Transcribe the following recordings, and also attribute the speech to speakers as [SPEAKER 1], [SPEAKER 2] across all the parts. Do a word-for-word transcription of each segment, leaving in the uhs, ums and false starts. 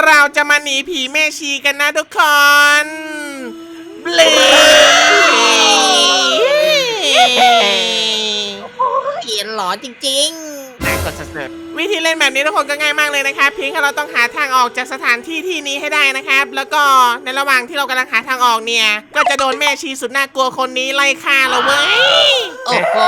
[SPEAKER 1] เราจะมาหนีผีแม่ชีกันนะทุกคน เบล
[SPEAKER 2] เขียนหลอนจริงๆน่ากดสุด
[SPEAKER 1] วิธีเล่นแบบนี้ทุกคนก็ง่ายมากเลยนะครับเพียงแค่เราต้องหาทางออกจากสถานที่ที่นี้ให้ได้นะครับแล้วก็ในระหว่างที่เรากำลังหาทางออกเนี่ยก็จะโดนแม่ชีสุดน่ากลัวคนนี้ไล่ฆ่าเราเว้ย
[SPEAKER 2] โอ้โห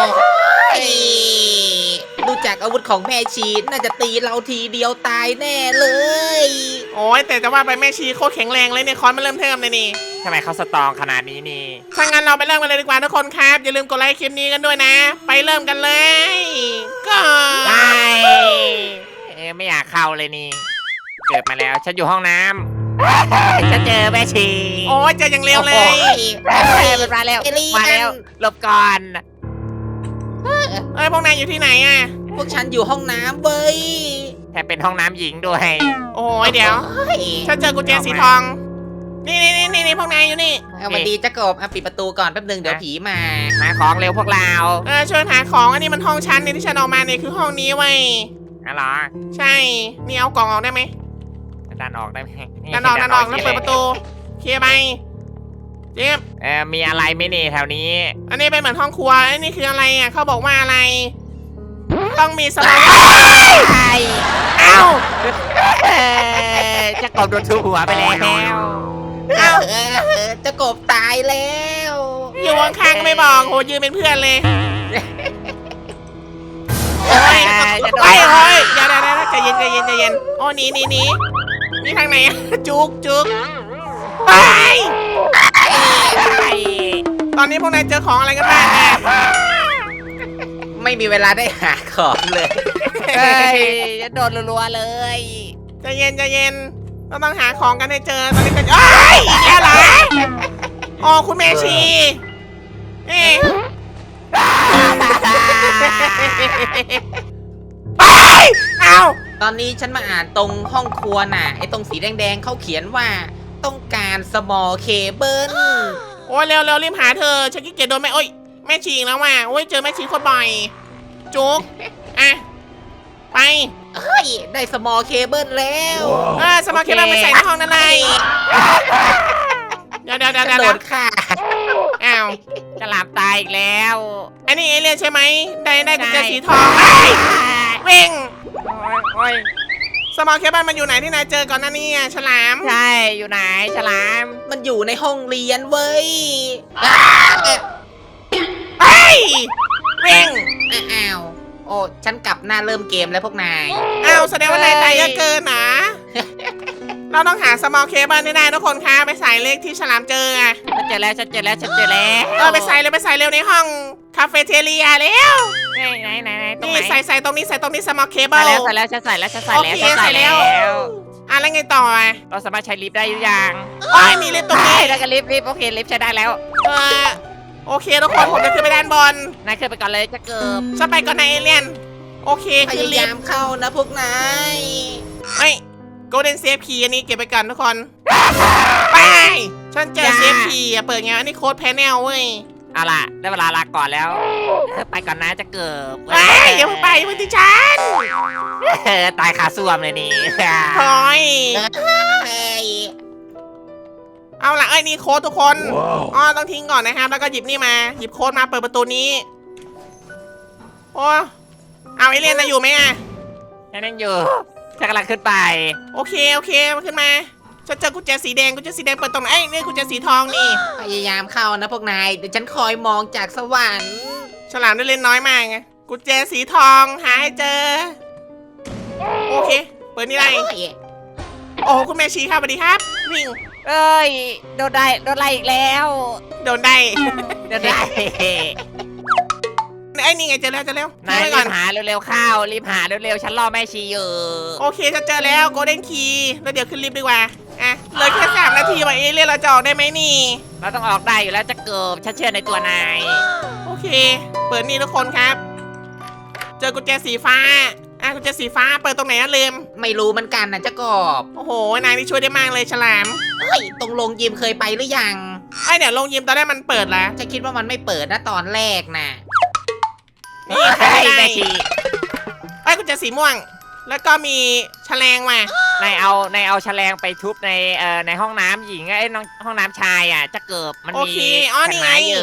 [SPEAKER 2] ดูจากอาวุธของแม่ชีน่าจะตีเราทีเดียวตายแน่เลย
[SPEAKER 1] โอ้ยแต่จะว่าไปแม่ชีโคตรแข็งแรงเลยเนี่ยคอนมาเริ่มเทิมเลยนี่
[SPEAKER 3] ทำไมเขาสตรองขนาดนี้นี่
[SPEAKER 1] ถ้างั้นเราไปเริ่มกันเลยดีกว่าทุกคนครับอย่าลืมกดไลค์คลิปนี้กันด้วยนะ ไปเริ่มกันเลยก็
[SPEAKER 3] ไม่เอ๊ะไม่อยากเข้าเลยนี่ เกิดมาแล้วฉันอยู่ห้องน้ำ ฉันเจอแม่ชี
[SPEAKER 1] โอ้ยเจออย่างเร็วเลย
[SPEAKER 3] เฮ้ยมันมาแล้วมาแล้วหลบก่อน
[SPEAKER 1] เอ้ยพวกนายอยู่ที่ไหนอ่ะ
[SPEAKER 2] พวกฉันอยู่ห้องน้ำเว้ย
[SPEAKER 3] แถมเป็นห้องน้ำหญิงด้วย
[SPEAKER 1] โอ้ยเดี๋ยวฉันเจอกุญแจสีทองนี่นี่นี่นี่พวกนายอยู่นี่
[SPEAKER 2] เอามาดีจะกบอ่ะปิดประตูก่อนแป๊บนึงเดี๋ยวผีมา
[SPEAKER 3] หาของเร็วพวกเรา
[SPEAKER 1] เออช่วยหาของอันนี้มันห้องชั้นนี่ที่ฉันออกมาเนี่ยคือห้องนี้เว้ย
[SPEAKER 3] อ๋อเหรอ
[SPEAKER 1] ใช่นี่เอากล่องออกได้ไหม
[SPEAKER 3] ดันออกได้ไหม
[SPEAKER 1] ดันออกดันออกแล้วเปิดประตูเคลียร์ไปเจี๊ยบ
[SPEAKER 3] เออมีอะไรไหมนี่แถวนี้
[SPEAKER 1] อันนี้เป็นเหมือนห้องครัวอันนี้คืออะไรอ่ะเขาบอกว่าอะไร ต้องมีสมา
[SPEAKER 3] ใช่
[SPEAKER 1] เอ้า
[SPEAKER 3] เออจะกบโดนทุบหัวไปแล้ว
[SPEAKER 1] เอ้า
[SPEAKER 2] เออจะกบตายแล้ว
[SPEAKER 1] อยู่ข้างๆก็ไม่บอกโหยืนเป็นเพื่อนเลยโอ้ย
[SPEAKER 3] จะโด
[SPEAKER 1] โอ้
[SPEAKER 3] น
[SPEAKER 1] ยโอ้ยอย่าได้ใจเย็นใจเย็นใจเย็นโอ้หนีหนีหนีนี่ทางไหนอะจุกจุกไปตอนนี้พวกนายเจอของอะไรกันบ้างเนี่ย
[SPEAKER 2] ไม่มีเวลาได้หาของเลย
[SPEAKER 3] เฮ้ยจะโดนรัวๆเลย
[SPEAKER 1] ใจเย็นใจเย็นเราต้องหาของกันให้เจอตอนนี้กันเอ้ยอีกแล้วเหรออ๋อคุณเมชีเอ๊ะไปเอ้า
[SPEAKER 2] ตอนนี้ฉันมาอ่านตรงห้องครัวน่ะไอ้ตรงสีแดงๆเขาเขียนว่าต้องการ small cable
[SPEAKER 1] โอ้ยเร็วเร็วรีบหาเธอฉันขี้เกียจโดนแม่โอ้ยแม่ชีอีกแล้วว่ะโอ้ยเจอแม่ชีโคตรบ่อยจุกอ่ะไป
[SPEAKER 2] เฮ้ยได้ small cable แล้ว
[SPEAKER 1] เออสมาร์ทเคเบิลไปใส่ในห้องนั่นเลยเดี๋ยวเดี๋ยวเดี๋ยว
[SPEAKER 2] ฉัน
[SPEAKER 1] เดี๋ยว
[SPEAKER 2] โดนฆ่า
[SPEAKER 1] อ้าว
[SPEAKER 3] จะหลับตายอีกแล้ว
[SPEAKER 1] อันนี้เอเลี่ยนใช่ไหมได้ได้กุญแจสีทองเอ้ยวิ่ง
[SPEAKER 3] โอ้ย
[SPEAKER 1] สมาร์ทเคเบิลมันอยู่ไหนที่นายเจอก่อนหน้านี้อะฉลาม
[SPEAKER 3] ใช่อยู่ไหนฉลาม
[SPEAKER 2] มันอยู่ในห้องเรียนเว้ย
[SPEAKER 1] เฮ้ยวิ่ง
[SPEAKER 2] อ้าวโอ้ฉันกลับหน้าเริ่มเกมแล้วพวกนาย
[SPEAKER 1] อ้าวแสดงว่านายตายเยอะเกินนะเราต้องหาสมาร์ทเคเบิลให้ได้ทุกคนคะไปใส่เลขที่ฉลามเจออะ
[SPEAKER 3] ฉันเจอแล้วฉันเจอแล้วฉันเจอแล้ว
[SPEAKER 1] เออไปใส่เลยไปใส่เร็วในห้องคาเฟ่เทเลียเร็ว
[SPEAKER 3] ไหนไหนไหนไหนตรง
[SPEAKER 1] นี่
[SPEAKER 3] ไหน
[SPEAKER 1] ใส่ใส่ตรงนี้ใส่ตรงนี้สมาร์ทเคเบิ
[SPEAKER 3] ใส่
[SPEAKER 1] ล
[SPEAKER 3] แล้วใส่แล้วฉันใส่แล้วฉันใส่แล้ว
[SPEAKER 1] โอเค
[SPEAKER 3] ฉันใส่
[SPEAKER 1] ใส่แล้
[SPEAKER 3] แล้ว ว
[SPEAKER 1] อ่ะแล้วไงต่ออ่ะ
[SPEAKER 3] เราสามารถใช้ลิฟต์ได้หรือยัง
[SPEAKER 1] โอ้ยมีลิฟต์ตรงนี้
[SPEAKER 3] ใช่แล้วก็ลิฟต์ลิฟต์โอเคลิฟต์ใช้ได้แล้ว
[SPEAKER 1] เออโอเคทุกคนผมจะขึ้นไปด้านบน
[SPEAKER 3] นายขึ้นไปก่อนเลยจะเกิบ
[SPEAKER 1] จะไปก่อนนายเอเลี่ยนโอเค
[SPEAKER 2] พ
[SPEAKER 1] ขึ้น
[SPEAKER 2] ยา
[SPEAKER 1] ลิฟ
[SPEAKER 2] ยาม
[SPEAKER 1] ต์
[SPEAKER 2] เข้านะพวกนาย
[SPEAKER 1] เฮ้ยโกลเด้นเซฟคีย์อันนี้เก็บไปก่อนทุกคนไปฉันเจอเซฟคีย์อ่ะเปิดไงอันนี้โค้ดแพนเนลเว้ย
[SPEAKER 3] เอาล่ะได้เวลาลาก่อนแล้วไปก่อนนะจะเกิบ
[SPEAKER 1] ไปอย่าเพิ่งไปอย่าเพิ่งที่ฉัน
[SPEAKER 3] เออตายขาส้วมเลยนี่
[SPEAKER 1] ถอย
[SPEAKER 2] เฮ้ย
[SPEAKER 1] เอาล่ะไอ้ยนี่โค้ดทุกคนอ๋อต้องทิ้งก่อนนะครับแล้วก็หยิบนี่มาหยิบโค้ดมาเปิดประตูนี้โอ้เอาเอเลี่ยนนะอยู่ไหมอ่ะ
[SPEAKER 3] ฉันนั่งอยู่ฉันกำลังขึ้นไป
[SPEAKER 1] โอเคโอเคมาขึ้นมาฉันเจอกุญแจสีแดงกุญแจสีแดงเปิดตรงไหนเอ้ยนี่กุญแจสีทองนี่
[SPEAKER 2] พยายามเข้านะพวกนายเดี๋ยวฉันคอยมองจากสวรรค์
[SPEAKER 1] ฉลามได้เล่นน้อยมากไงกุญแจสีทองหาให้เจอโอเคเปิดนี่ได้โอ้คุณแม่ชีครับสวัสดีครับวิ่ง
[SPEAKER 3] เอ้ยโดนได้โดนไล่อีกแล้ว
[SPEAKER 1] โดนได้
[SPEAKER 3] โดนได้
[SPEAKER 1] ไอ้ยนี่ไงเจอแล้วเจอแล้ว
[SPEAKER 3] นาย
[SPEAKER 1] ทิ้งไว้
[SPEAKER 3] รี
[SPEAKER 1] ก่อน
[SPEAKER 3] บหาเร็วๆเข้ารีบหาเร็วๆฉันรอแม่ชีอยู่
[SPEAKER 1] โอเคฉันเจอแล้วโกลเด้นคีย์แล้วเดี๋ยวขึ้นลิฟต์ดีกว่าอ่ะเหลยแค่สามนาทีว่ะเอเลี่ยนเราจะออกได้ไหมนี่
[SPEAKER 3] เราต้องออกได้อยู่แล้วจะเกิบฉันเชื่อในตัวนาย
[SPEAKER 1] โอเค เปิดนี่ทุกคนครับ เจอกุญแจสีฟ้าอ่ะกุญแจสีฟ้าเปิดตรงไหนอะลืม
[SPEAKER 2] ไม่รู้เหมือนกันนะเจ้ากบ
[SPEAKER 1] โอ้โหนายนี่ช่วยได้มากเลยฉลาม
[SPEAKER 2] เฮ้ยตรงโรงยิมเคยไปหรือยัง
[SPEAKER 1] ไอยเดี๋ยวลงยิมตอนแรกมันเปิดแล้ว
[SPEAKER 2] จะคิดว่ามันไม่เปิดนะตอนแรกนะ
[SPEAKER 1] นี่
[SPEAKER 3] เฮ้ย
[SPEAKER 1] ได้
[SPEAKER 3] แม่ชี
[SPEAKER 1] ไอ้ยกุญแจสีม่วง แล้วก็มีแฉลงว่ะ
[SPEAKER 3] นายเอานายเอาแฉลงไปทุบในเอ่อในห้องน้ำหญิงไอ้น้องห้องน้ำชายอ่ะจะเกิบมัน
[SPEAKER 1] โอ
[SPEAKER 3] มี
[SPEAKER 1] เคอ๋อนี่ไง
[SPEAKER 3] แผ่นไม้อยู่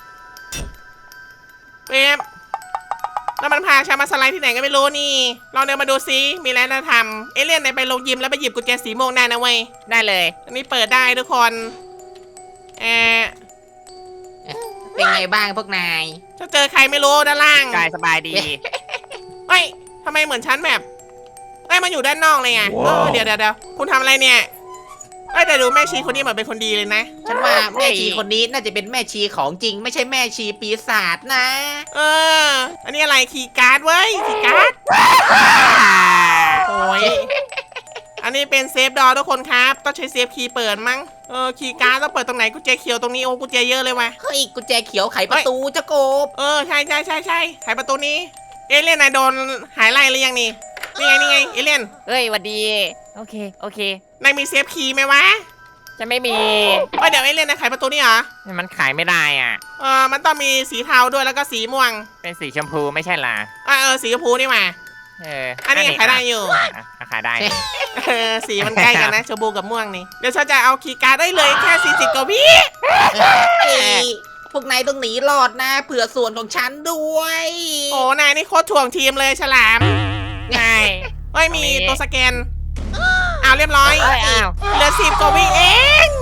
[SPEAKER 1] เป๊บแล้วมันพาชามาสไลด์ที่ไหนก็ไม่รู้นี่ลองเดินมาดูซิมีอะไรน่าทำเอเลี่ยนไหนไปลงยิมแล้วไปหยิบกุญแจสีม่วงได้นะเว้ย
[SPEAKER 3] ได้เลย
[SPEAKER 1] อันนี้เปิดได้ทุกคนเออ
[SPEAKER 2] เป็นไงบ้างพวกนาย
[SPEAKER 1] จะเจอใครไม่รู้ด้านล่าง
[SPEAKER 3] กายสบายดี
[SPEAKER 1] เฮ้ยทำไมเหมือนฉันแบบเอ้ยมันอยู่ด้านนอกเลยไงเออเดี๋ยวเดี๋ยวเดี๋ยวคุณทำอะไรเนี่ยเอ้ยแต่ดูแม่ชีคนนี้เหมือนเป็นคนดีเลยนะ
[SPEAKER 2] ฉันว่าแม่ชีคนนี้น่าจะเป็นแม่ชีของจริง ไม่ใช่แม่ชีปีศาจนะ
[SPEAKER 1] เออ อันนี้อะไรคีย์การ์ดเว้ยคีย์การ์ดโอ้ยอันนี้เป็นเซฟดอทุกคนครับต้องใช้เซฟคีย์เปิดมั้งเออคีย์การ์ดต้องเปิดตรงไหนกุญแจเขียวตรงนี้โอ้กุญแจเยอะเลยว่ะ
[SPEAKER 2] เฮ้ยกุญแจเขียวไขประตูเจ้ากบ
[SPEAKER 1] เออใช่ใช่ใช่ใช่ไขประตูนี้เอเลี่ยนนายโดนหายไล่หรือยังนี่นี่ไงนี่ไงเอเลี่ยน
[SPEAKER 3] เอ้ยหวัดดีโอเคโอเคน
[SPEAKER 1] ายมีเซฟคีย์ไหมวะ
[SPEAKER 3] จะไม่มี
[SPEAKER 1] เอ้ยเดี๋ยวเอเลี่ยนนายไขประตูนี่เหรอ
[SPEAKER 3] มันขายไม่ได้อ่ะ
[SPEAKER 1] เออมันต้องมีสีเทาด้วยแล้วก็สีม่วง
[SPEAKER 3] เป็นสีชมพูไม่ใช่ล่ะ
[SPEAKER 1] อ่ะเออสีชมพูนี่มา
[SPEAKER 3] เออ
[SPEAKER 1] อันนี้ขายได้อยู่
[SPEAKER 3] อ่ะอ่ะขายได้นี่
[SPEAKER 1] เออสีมันใกล้กันนะชมพูกับม่วงนี่เดี๋ยวฉันจะเอาคีย์การ์ดได้เลยแค่สี่สิบกว่าวิ
[SPEAKER 2] เฮ้ยพวกนายต้องหนีรอดนะเผื่อส่วนของฉันด้วย
[SPEAKER 1] โอ้นายนี่โคตรถ่วงทีมเลยฉลาม
[SPEAKER 3] ง่าย
[SPEAKER 1] เฮ้ยมี
[SPEAKER 3] ตรงนี้
[SPEAKER 1] ตัวสแกนอ้าวเรียบร้อย
[SPEAKER 3] เอ้ยอ้าว
[SPEAKER 1] เหลือสิบกว่าวิเอง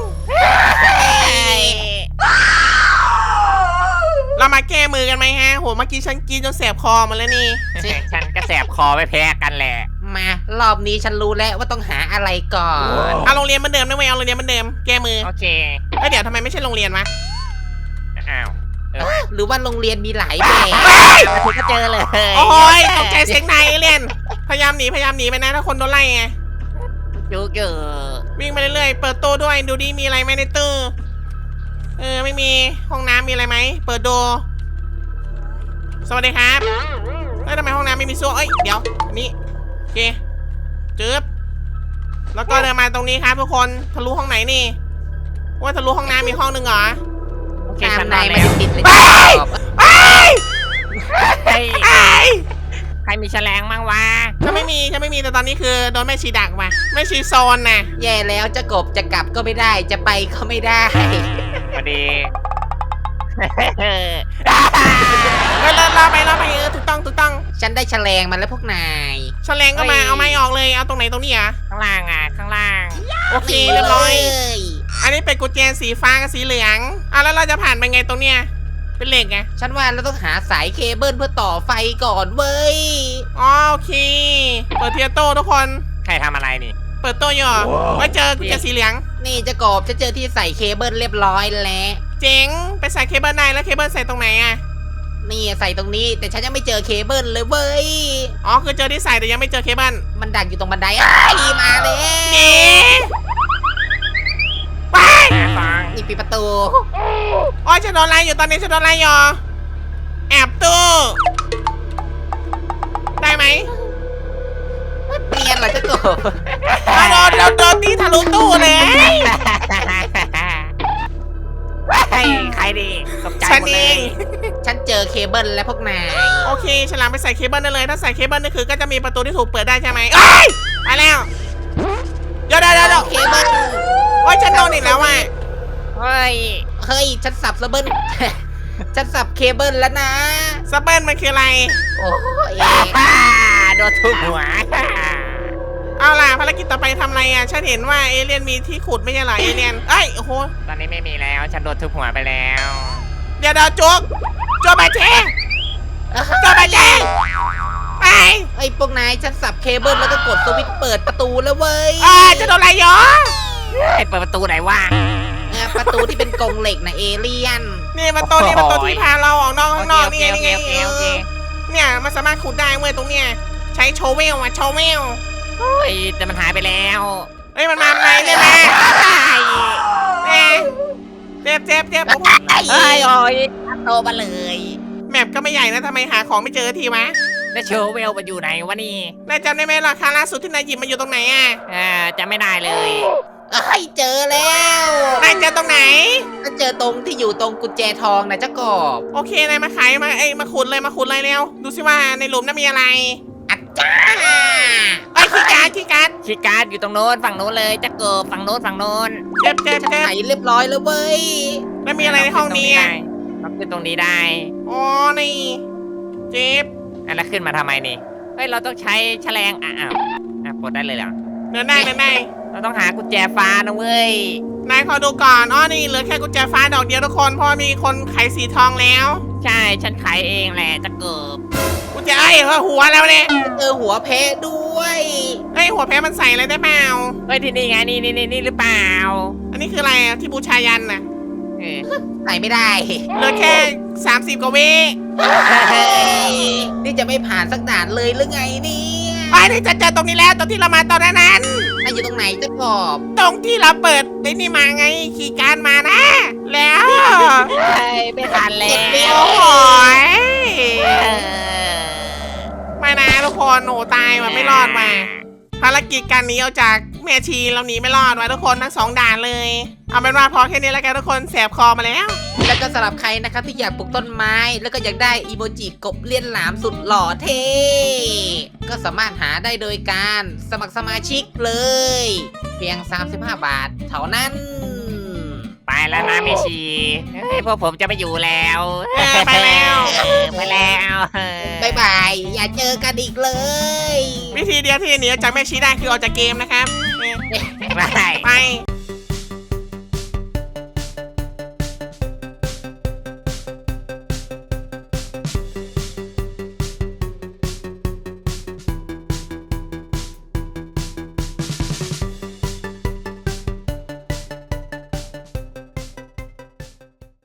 [SPEAKER 1] เรามาแก้มือกันไหมฮะโหเมื่อกี้ฉันกินจนแสบคอหมาแล้วนี่
[SPEAKER 3] ฉันก็แสบคอไม่แพ้กันแหละ
[SPEAKER 2] มารอบนี้ฉันรู้แล้วว่าต้องหาอะไรก่อน
[SPEAKER 1] เอาโรงเรียนเหมือนเดิมนะเว้ยเอาโรงเรียนเหมือนเดิมแก้มือ
[SPEAKER 3] โอเค
[SPEAKER 1] เอ้ยเดี๋ยวทำไมไม่ใช่โรงเรียนวะ
[SPEAKER 3] อ้าวเออ
[SPEAKER 2] หรือว่าโรงเรียนมีหลายแบบ
[SPEAKER 3] มาถึงก็เจอเลย
[SPEAKER 1] โอ้ยตกใจเสียงนายเอเลี่ยนพยายามหนีพยายามหนีไปนะถ้าคนโดนไล่ไง
[SPEAKER 3] จุกอยู่
[SPEAKER 1] วิ่งไปเรื่อยๆเปิดตู้ด้วยดูดิมีอะไรไหมในตู้เออไม่มีห้องน้ำมีอะไรไหมเปิดดูสวัสดีครับเฮ้ยทำไมห้องน้ำไม่มีซ่วมเอ้ยเดี๋ยวอันนี้โอเคจึ๊บแล้วก็เดินมาตรงนี้ครับทุกคนทะลุห้องไหนนี่ว่าทะลุห้องน้ำมีห้องหนึ่งเหรอ
[SPEAKER 3] โอเค
[SPEAKER 2] ตาม
[SPEAKER 3] ฉันน
[SPEAKER 2] นา
[SPEAKER 3] อย น
[SPEAKER 2] ไม่
[SPEAKER 3] แล้ว
[SPEAKER 2] ได้ติดเลย
[SPEAKER 1] ไป ไอ้ย
[SPEAKER 3] เฮ้ย
[SPEAKER 1] ไอ้ย
[SPEAKER 3] ใครมีแฉลงมั่งวะ
[SPEAKER 1] ฉันไม่มีฉันไม่มีแต่ตอนนี้คือโดนแม่ชีดักมาแม่ชีโซนน่ะ
[SPEAKER 2] แย่แล้วจะกบจะกลับก็ไม่ได้จะไปก็ไม่ได้
[SPEAKER 3] พอดี
[SPEAKER 1] เฮ้ยเราเราไปเราไปเออถูกต้องถูกต้อง
[SPEAKER 2] ฉันได้แฉลงมาแล้วพวกนาย
[SPEAKER 1] แฉลงก็มาเอาไม้ออกเลยเอาตรงไหนตรงนี้อ่ะ
[SPEAKER 3] ข้างล่างอ่ะ ข้างล่าง
[SPEAKER 1] โอเคเรียบร้อย
[SPEAKER 2] เลย
[SPEAKER 1] อันนี้เป็นกุญแจสีฟ้ากับสีเหลืองอ่ะแล้วเราจะผ่านไปไงตรงเนี้ยเป็นเหล็กไง
[SPEAKER 2] ฉันว่าเราต้องหาสายเคเบิลเพื่อต่อไฟก่อนเว้ย
[SPEAKER 1] อ๋อโอเคเปิดเทียโต้ทุกคน
[SPEAKER 3] ใครทำอะไรนี่
[SPEAKER 1] เปิดโต้อยู่เหรอไว้เจอกุญแจสีเหลือง
[SPEAKER 2] นี่จะกบฉันเจอที่ใส่เคเบิลเรียบร้อยแล้ว
[SPEAKER 1] เจ๋งไปใส่เคเบิลได้แล้วเคเบิลใส่ตรงไหนอ่ะ
[SPEAKER 2] นี่ใส่ตรงนี้แต่ฉันยังไม่เจอเคเบิลเลยเว้ย
[SPEAKER 1] อ๋อคือเจอที่ใส่แต่ยังไม่เจอเคเบิล
[SPEAKER 2] มันดักอยู่ตรงบันไดอ้ายมาเลย
[SPEAKER 1] หนีไป
[SPEAKER 3] ฟัง
[SPEAKER 2] นี่ปิดประตู
[SPEAKER 1] โอ้ยฉันโดนไล่อยู่ตอนนี้ฉันโดนไล่อยู่แอบตู้ได้ไหม
[SPEAKER 2] เนียนเหรอจะกบ
[SPEAKER 1] เอาโดนโดนโดนตีทะลุตู้เลย
[SPEAKER 3] เฮ้ยใครดีตกใจ
[SPEAKER 1] ฉัน
[SPEAKER 3] หมด
[SPEAKER 1] เอ
[SPEAKER 3] เลย
[SPEAKER 1] ง
[SPEAKER 2] ฉันเจอเคเบิลแล้วพวกนาย
[SPEAKER 1] โอเคฉลามไปใส่เคเบิลได้เลย ถ้าใส่เคเบิลนี่คือก็จะมีประตูที่ถูกเปิดได้ใช่ไหมเอ้ยไปแล้วเดี๋ยวเดี๋ยวเดี๋ยวเดี๋ยว
[SPEAKER 2] เคเบิล
[SPEAKER 1] โอ้ยฉันโดนอีกแล้วว่ะ
[SPEAKER 3] เฮ้ย
[SPEAKER 2] เฮ้ยฉันสับสเบิล ฉันสับเคเบิลแล้วนะ
[SPEAKER 1] ซับเบิลมันคืออะไร
[SPEAKER 2] โอ้ย
[SPEAKER 3] อ่าโดนทุบหัว
[SPEAKER 1] เอาล่ะภารกิจต่อไปทำอะไรอ่ะฉันเห็นว่าเอเลี่ยนมีที่ขุดไม่ใช่เหรอเอเลี่ยนเอ้ยโอ้โห
[SPEAKER 3] ตอนนี้ไม่มีแล้ว ฉันโดนทุบหัวไปแล้ว
[SPEAKER 1] เดี๋ยวเดี๋ยวจุกจุกมาเชจุกมาเชไป
[SPEAKER 2] ไอ้ยพวกนายฉันสับเคเบิลแล้วก็กดสวิตช์เปิดประตูแล้วเว้ย
[SPEAKER 1] อ่าจะโดนอะไรเหรอ
[SPEAKER 3] ไอ้เปิดประตูไหนวะ
[SPEAKER 2] เนี่ยประตูที่เป็นกรงเหล็กนะเอเลี่ยน
[SPEAKER 1] นี่ประตูนี่ประตูที่พาเราออกนอกข้างนอกนี่ไง
[SPEAKER 3] โอ
[SPEAKER 1] นี่
[SPEAKER 3] เค
[SPEAKER 1] ไง
[SPEAKER 3] โอเคโอเค
[SPEAKER 1] เออเนี่ยมันสามารถขุดได้เว้ยตรงเนี้ยใช้โชเวลอ่ะโชเวล
[SPEAKER 3] เฮ้ยแต่มันหายไปแล้ว
[SPEAKER 1] เอ้ยมันมาไหนเนี่ยนะแหมเจ็บเจ็บเจ็บโอ้โห
[SPEAKER 3] เฮ้ยโอ้ยโตมาเลย
[SPEAKER 1] แมปก็ไม่ใหญ่นะทำไมหาของไม่เจอทีวะ
[SPEAKER 3] แล้วโชว์เวลมันอยู่ไหนวะนี่
[SPEAKER 1] นายจำได้ไหมราคาล่าสุดที่นายหยิบมันอยู่ตรงไหนอ่ะ
[SPEAKER 3] อ่าจะไม่ได้เลย
[SPEAKER 2] เอ้ยเจอแล้ว
[SPEAKER 1] นายเจอตรงไหน
[SPEAKER 2] ก็เจอตรงที่อยู่ตรงกุญแจทองนะเจ้ากบ
[SPEAKER 1] โอเคนายมาขายมาเอ้ยมาขุดเลยมาขุดเลยเร็วดูสิว่าในหลุมนั้นมีอะไร
[SPEAKER 2] อัจจ้า
[SPEAKER 1] ไอ้ยขี้การดขี้การด
[SPEAKER 3] คีย์การ์ดอยู่ตรงโน้นฝั่งโน้นเลยจะเกิบฝั่งโน้นฝั่งโน้น
[SPEAKER 1] เจ็บเจ็บ
[SPEAKER 2] ฉัน
[SPEAKER 1] เจ็บ
[SPEAKER 2] ไขเรียบร้อยแล้วเว้ย
[SPEAKER 1] แล้วมีอะไรในห้องนี้อ่ะ
[SPEAKER 3] เราขึ้นตรงนี้ได้
[SPEAKER 1] อ๋อนี่เจ็บ
[SPEAKER 3] อ่ะแล้วขึ้นมาทำไมนี่เฮ้ยเราต้องใช้แฉลงอ่ะอ้าวอ่ะปลดได้เลยเหรอ
[SPEAKER 1] เดินได้เดินได้
[SPEAKER 3] เราต้องหากุญแจฟ้านะเว้ย
[SPEAKER 1] นายขอดูก่อนอ๋อนี่เหลือแค่กุญแจฟ้าดอกเดียวทุกคนเพราะมีคนไขสีทองแล้ว
[SPEAKER 3] ใช่ฉันไขเองแหละจะเกิบ
[SPEAKER 1] กุญแจไอ้ยหัวแล้วเนี่ย
[SPEAKER 2] เจอหัวเพชรด้วย
[SPEAKER 1] เฮ้ยหัวแพ้มันใส่อะไรได้เปล่า
[SPEAKER 3] เฮ้ยที่นี่ไงนี่นี่นี่นี่หรือเปล่า
[SPEAKER 1] อันนี้คืออะไรอ่ะที่บูชายันน่ะ
[SPEAKER 3] เออ
[SPEAKER 2] ใส่ไม่ได้
[SPEAKER 1] เหลือแค่สามสิบกว่าวิ
[SPEAKER 2] นี่จะไม่ผ่านสักด่านเลยหรือไงเนี่ย
[SPEAKER 1] ไอ้นี่จะเจอตรงนี้แล้วตรงที่เรามาตอนนั้น
[SPEAKER 2] นายอยู่ตรงไหนเจะกบ
[SPEAKER 1] ตรงที่เราเปิดไอ้นี่มาไงขี่การมานะ แล้ว
[SPEAKER 3] เฮ้ยไม่ทันแล้
[SPEAKER 1] โอ้
[SPEAKER 3] ว
[SPEAKER 1] โหย
[SPEAKER 3] เออ
[SPEAKER 1] ไม่นะทุกคนโหตายว่ะไม่รอดว่ะภารกิจการหนีออกจากแม่ชีเราหนีไม่รอดว่ะทุกคนทั้งสองด่านเลย เอาเป็นว่าพอแค่นี้แล้วกันทุกคนแสบคอมาแล้ว
[SPEAKER 2] แล้วก็สำหรับใครนะครับที่อยากปลูกต้นไม้ แล้วก็อยากได้อีโมจิกบเลี้ยนหลามสุดหล่อเท่ก็สามารถหาได้โดยการสมัครสมาชิกเลย เพียง สามสิบห้า บาทเท่านั้น
[SPEAKER 3] ไปแล้วนะเมชีเฮ้ยพวกผมจะไปอยู่แล้ว
[SPEAKER 1] เออไปแล้ว
[SPEAKER 3] เออไปแล้วเออบ
[SPEAKER 2] ายบาย อย่าเจอกันอีกเลย
[SPEAKER 1] วิธีเดียวที่จะหนีออกจากแม่ชีได้คือออกจากเกมนะครับ
[SPEAKER 3] ไป
[SPEAKER 1] ไป